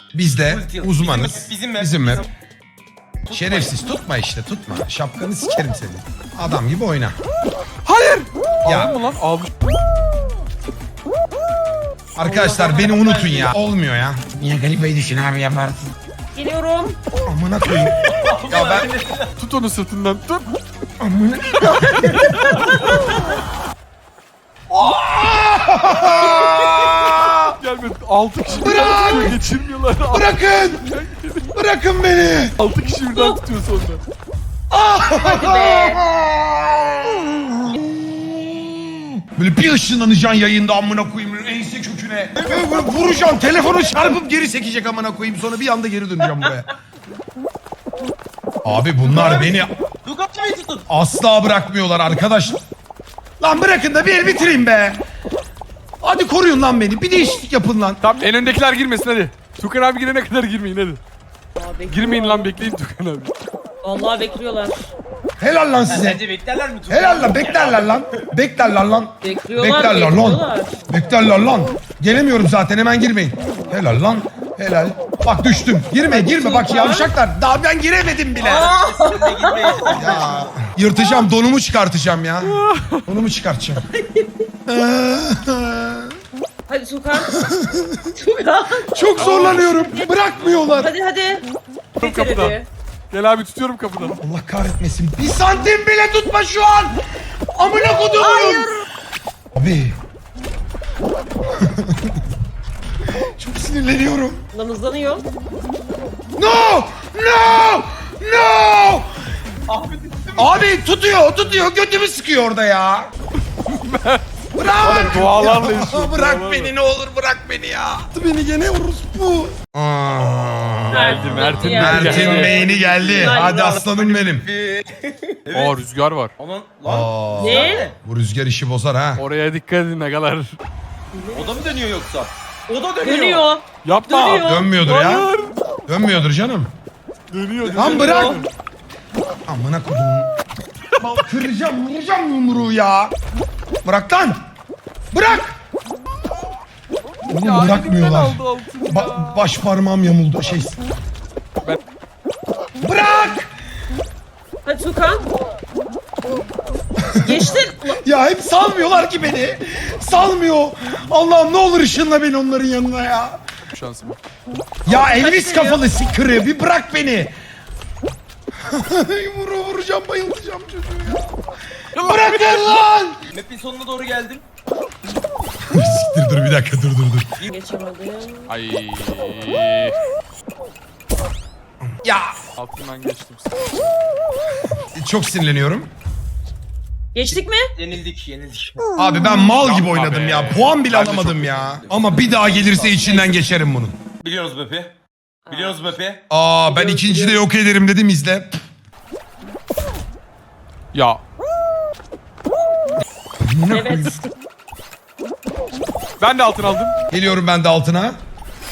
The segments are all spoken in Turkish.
Biz de Ulti. uzmanız. Bizim map. Şerefsiz tutma işte tutma. Şapkanı sikerim seni. Adam gibi oyna. Hayır. Ya. Aldın mı lan? Almış. Arkadaşlar beni unutun ya. Olmuyor ya. Niye Galipa'yı düşün abi yaparsın. Geliyorum. Amına koyayım. Ya ben Tut onu sırtından tut. amına. Gelme 6 kişi Bırak! birden geçirmiyorlar. Bırakın. Bırakın beni. 6 kişi birden tutuyor sonra. Hadi be. Böyle bir ışınlanacaksın yayında amına koyayım ense köküne. Böyle vuracaksın telefonu çarpıp geri sekecek amına koyayım sonra bir anda geri döneceğim buraya. Abi bunlar beni Ducati'yi tutun. asla bırakmıyorlar arkadaş. Lan bırakın da bir el bitireyim be. Hadi koruyun lan beni. Bir değişiklik yapın lan. Tamam en öndekiler girmesin hadi. Tukan abi girene kadar girmeyin hadi. Aa, bekliyorlar. Girmeyin lan bekleyin Tukan abi. Vallahi bekliyorlar. Helal lan size. Sence beklerler mi? Helal lan beklerler lan. Beklerler lan. Bekliyorlar. Beklerler lan. Bekliyorlar. Beklerler lan. Gelemiyorum zaten hemen girmeyin. Helal lan. Helal. Bak düştüm. Girme bak yavşaklar. Daha ben giremedim bile. Sesle gitmeyin. Ya. Yırtacağım donumu çıkartacağım ya. Donumu çıkartacağım. Hadi Tukan. Tukan. Çok zorlanıyorum. Bırakmıyorlar. Hadi. Bitir kapıdan. hadi. Gel abi tutuyorum kapıdan. Allah kahretmesin. Bir santim bile tutma şu an. Amına kodumun. Abi. Çok sinirleniyorum. Lan hızlanıyor. No! Abi tutuyor. Götümü sıkıyor orada ya. Bırak. Dualarla Ya, yaşıyor, bırak dualarla. beni ne olur bırak beni ya. Beni gene orospu. Geldi Mert'in Mert'in geldi. beyni geldi. Hadi aslanım benim. Aa rüzgar var. Aman lan. Aa, Ne? bu rüzgar işi bozar ha. Oraya dikkat edin agalar. O da mı dönüyor yoksa? O da dönüyor. Dönüyor. Yapma. Dönüyor. Dönmüyordur ya. Hayır. Dönmüyordur canım. Dönüyor. Lan bırak. Amına kodum. Vuracağım yumruğu ya. Bırak lan. Bırak. Oğlum bırakmıyorlar. Aldı altını ya. Baş parmağım yamuldu. Ben- Bırak. Hadi Tukan. Geçtin. Ya hep salmıyorlar ki beni. Salmıyor. Allah'ım ne olur ışınla beni onların yanına ya. Şansım. Ya Elvis kafalı sikırı bir bırak beni. Vuracağım bayılacağım çocuğu ya. Bırakın lan. Map'in sonuna doğru geldim. Siktir dur bir dakika dur. Geçemedim. Ay. Ya Altından geçtim. çok sinirleniyorum. Geçtik mi? Yenildik. Abi ben mal gibi Yapma oynadım be. ya. Puan bile Ben de alamadım çok ya. Ama bir daha gelirse içinden geçerim bunun. Biliyoruz map'i. Biliyoruz map'i. Aa ben ikincide yok ederim dedim izle. Ya. Evet. Ben de altın aldım. Geliyorum ben de altına. Lan!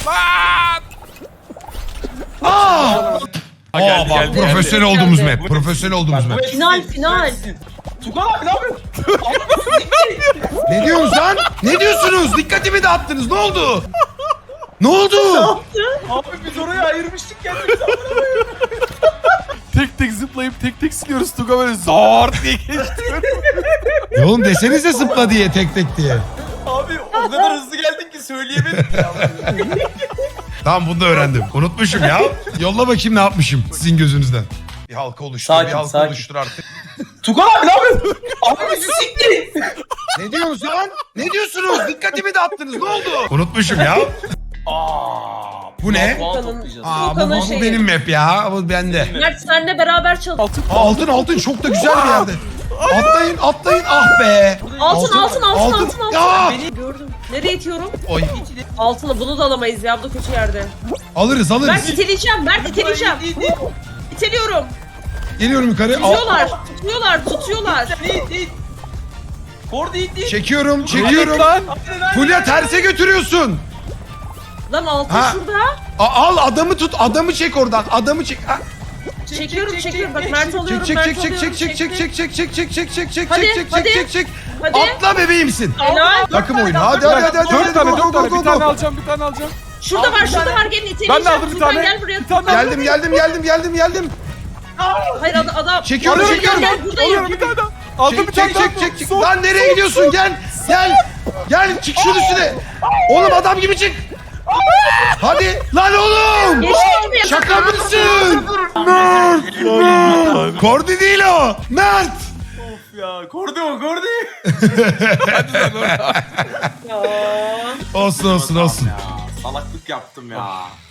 Aa! Ha, geldi, Bak geldi, profesyonel geldi. olduğumuz Geldi. map. Profesyonel olduğumuz map. Final. Tugan abi ne yapıyorsun? Ne diyorsunuz lan? Ne diyorsunuz? Dikkatimi dağıttınız. Ne oldu? Ne oldu? Abi biz oraya ayırmıştık kendimizi. Tek tek zıplayıp tek siliyoruz. Tuga böyle zor diye geçti. Oğlum desenize zıpla diye tek diye. Abi o kadar hızlı geldin ki söyleyemedim ya. Tamam bunu da öğrendim. Unutmuşum ya. Yolla bakayım ne yapmışım sizin gözünüzden. Bir halka oluştur, Sakin, bir halka sakin. oluştur artık. Tugan abi ne yapıyorsun? Abi bizi sikti. Ne diyorsunuz lan? Ne diyorsunuz? Dikkatimi dağıttınız. Ne oldu? Unutmuşum ya. Bu ne? Puan toplayacağız. Aa bu Volkan'ın şeyi. benim map ya. Bu bende. Mert senle beraber çalış. Altın. Altın çok da güzel bir yerde. Atlayın ah be. Altın. Ya. Gördüm. Nereye itiyorum? Oy. Altını bunu da alamayız ya. Bu da kötü yerde. Alırız. Mert iteleyeceğim. İteliyorum. Geliyorum yukarı. Tutuyorlar. İt. Ford it. Çekiyorum. Lan. Fulya terse götürüyorsun. Lan altın Ha. şurada. Al adamı tut. Adamı çek oradan. Adamı çek. Ha. Çekiyorum. Bak Mert alıyorum. Çek. Hadi. Atla bebeğimsin. Helal. Takım oyunu. Hadi. 4 tane Go, go, 4 tane. go, Bir tane go. alacağım. Şurada var, şurada var. Gelin iteleyeceğim. Ben de aldım bir Furkan tane. gel buraya. Bir tane Furkan. Geldim. Hayır adam. Çekiyorum, Gel, çekiyorum. Gel buradayım. Alıyorum bir tane daha. Aldım bir tane daha. Çek. Lan nereye gidiyorsun? Gel çık şunun üstüne. Oğlum adam gibi çık. Hadi lan oğlum. Geçti mi? Şaka mısın? Mert. Kordi değil o. Mert. Of ya. Kordi o Kordi. Ya. Olsun. Ya, salaklık yaptım ya.